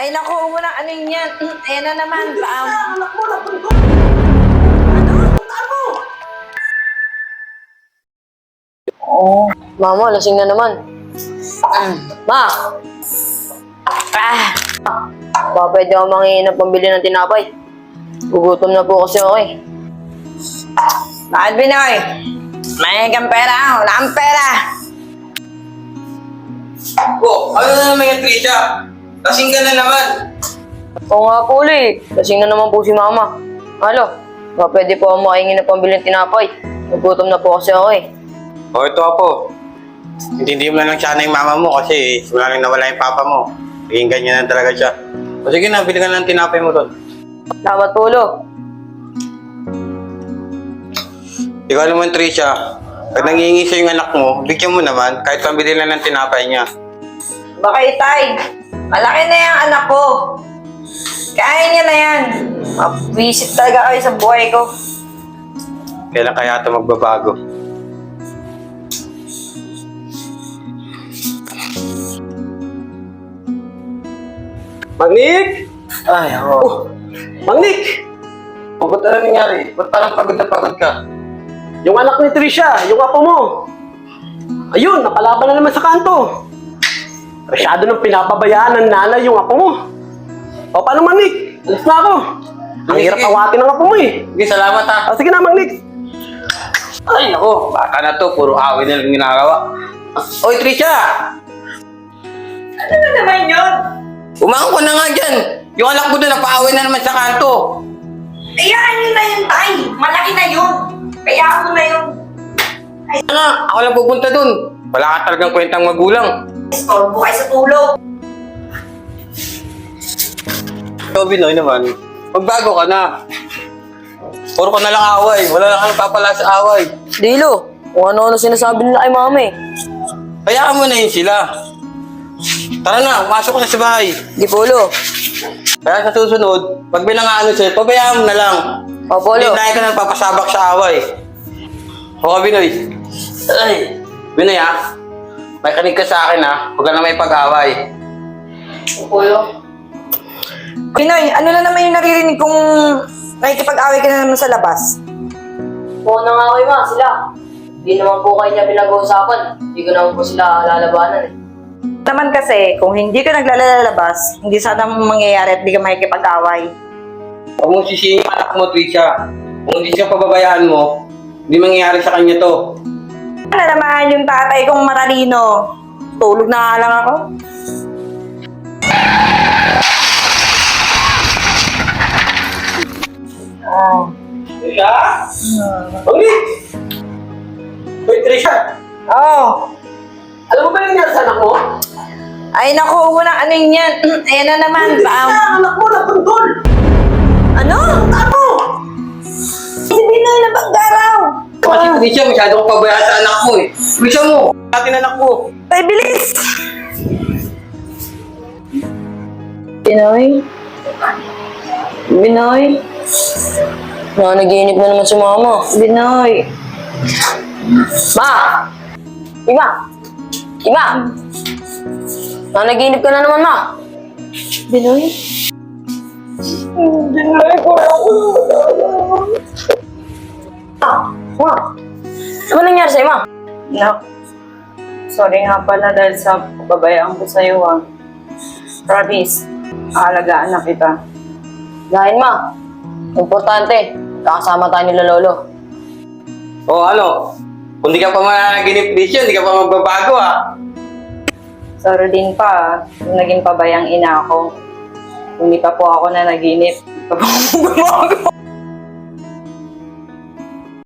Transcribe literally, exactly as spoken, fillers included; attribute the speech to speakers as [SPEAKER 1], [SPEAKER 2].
[SPEAKER 1] Ay, naku, huwag mo na ano yun yan. Mm, Ayan na naman. Paam.
[SPEAKER 2] Anak mo, napuntol! Ano? Puntaan mo!
[SPEAKER 3] Oh, mama, lasing na naman. Ma! Ah! Ba, pwede ako mangingi ng pambili ng tinapay. Gugutom na po kasi ako eh.
[SPEAKER 1] Bakit, Binoy? May kang pera. Wala kang pera.
[SPEAKER 4] Oh, ano na naman yung Trisha? Lasing ka na naman.
[SPEAKER 3] Oo nga po ulit. Lasing na naman po si mama. Halo, ba, pwede po ako makahingi ng pambili ng tinapay. Gugutom na po kasi ako eh.
[SPEAKER 4] O, ito Apo. Hindi mo na lang sana yung mama mo kasi simula nang nawala yung papa mo. Naging ganyan na talaga siya. O sige na, bili ka na ng tinapay mo doon.
[SPEAKER 3] Salamat po, Lo.
[SPEAKER 4] Ikaw naman, Trisha. Pag nangihingi sa yung anak mo, bigyan mo naman kahit pambili lang ng tinapay niya.
[SPEAKER 1] Baka itay. Malaki na yung anak ko. Kaya niya na yan. Mabisit talaga kayo sa buhay ko.
[SPEAKER 4] Kailan kaya ito magbabago?
[SPEAKER 2] Magnik!
[SPEAKER 4] Ay, ako.
[SPEAKER 2] Oh, Magnik!
[SPEAKER 4] Oh, ba't ano nangyari? Ba't parang pagod na pagod ka?
[SPEAKER 2] Yung anak ni Trisha, yung apo mo. Ayun, napalaban na naman sa kanto. Masyado nang pinapabayaan ng nanay yung apo mo. O, paano Magnik? Alis na ako. Ang
[SPEAKER 4] Sige,
[SPEAKER 2] hirap
[SPEAKER 4] sige.
[SPEAKER 2] awatin ng apo mo eh.
[SPEAKER 4] Sige, salamat ha.
[SPEAKER 2] Ah, sige na, Magnik.
[SPEAKER 4] Ay, nako. Bata na to. Puro awin na lang ginagawa. Oy, Trisha!
[SPEAKER 1] Ano na naman yun?
[SPEAKER 4] Umangon ko na nga dyan. Yung anak mo doon, napaawin na naman sa kanto.
[SPEAKER 1] Ayaan nyo na yun, tay. Malaki na yun. Kaya ako na yun.
[SPEAKER 4] Ano nga, ako lang pupunta doon. Wala ka talagang kwentang magulang.
[SPEAKER 1] Storbo kayo sa tulog.
[SPEAKER 4] Ikaw, Binoy naman, magbago ka na. Puro ka na lang away. Wala na kang papala sa away.
[SPEAKER 3] Di, Lo. Kung ano-ano sinasabi nila kay mama eh.
[SPEAKER 4] Hayaan mo na yun sila. Tara na, masok ka na sa bahay.
[SPEAKER 3] Di po, Lo.
[SPEAKER 4] Kaya sa susunod, pag may nangaano sa'yo, pabayaan mo na lang.
[SPEAKER 3] Opo,
[SPEAKER 4] Hindi
[SPEAKER 3] Lo.
[SPEAKER 4] na ka nang papasabak sa away. O, Binoy. Ay, Binoy ha. May kanig ka sa akin ha. Huwag ka na may pag-away.
[SPEAKER 3] Opo, Lo.
[SPEAKER 1] Pinoy, ano na naman yung naririnig kong nakikipag-away ka na naman sa labas?
[SPEAKER 3] Oo na nga kayo, ma. Sila. Hindi naman po kayo niya pinag-uusapan. Hindi ko naman po sila lalabanan eh.
[SPEAKER 1] Naman kasi, kung hindi ka naglalabas, hindi sana mangyayari at hindi ka makikipag-away.
[SPEAKER 4] Huwag mong sisihin yung anak mo, Trisha. Kung hindi siya pababayaan mo, hindi mangyayari sa kanya to.
[SPEAKER 1] Ano naman yung tatay kong matalino? Tulog na nga lang ako.
[SPEAKER 3] Oh.
[SPEAKER 4] Trisha? Magnik! Uy, Trisha!
[SPEAKER 1] Oh.
[SPEAKER 2] Alam mo ba yung nangyari sa anak mo?
[SPEAKER 1] Ay, naku, huwag mo na ano yun yan. Mm, Ayan na naman. Paam.
[SPEAKER 2] Trisha, anak mo, napuntol!
[SPEAKER 1] Ano?
[SPEAKER 2] Puntaan mo!
[SPEAKER 1] Si Binoy na banggaraw.
[SPEAKER 4] Kasi Trisha, masyado kang pabayaan sa anak mo eh. Trisha mo! Atin anak mo!
[SPEAKER 1] Ay, bilis!
[SPEAKER 3] Binoy? Binoy? Na, naginip na naman si mama.
[SPEAKER 1] Binoy.
[SPEAKER 3] Ma! Ima! Ima! Na, naginip ka na naman, ma.
[SPEAKER 1] Binoy?
[SPEAKER 3] Binoy ko Ma! Ano ba nangyari sa'yo, ma?
[SPEAKER 1] No. Sorry nga pala dahil sa pababayaan ko sa'yo, ha. Promise, aalagaan na kita.
[SPEAKER 3] Dahil, ma. Importante, kakasama tayo nila lolo.
[SPEAKER 4] O ano? Kung di ka pa mananaginip, Trisha, hindi ka pa magbabago ah.
[SPEAKER 1] Sorry din pa, ha. Yung naging pabayang ina ako. Kung di pa po ako na naginip, di pa po ako magbabago.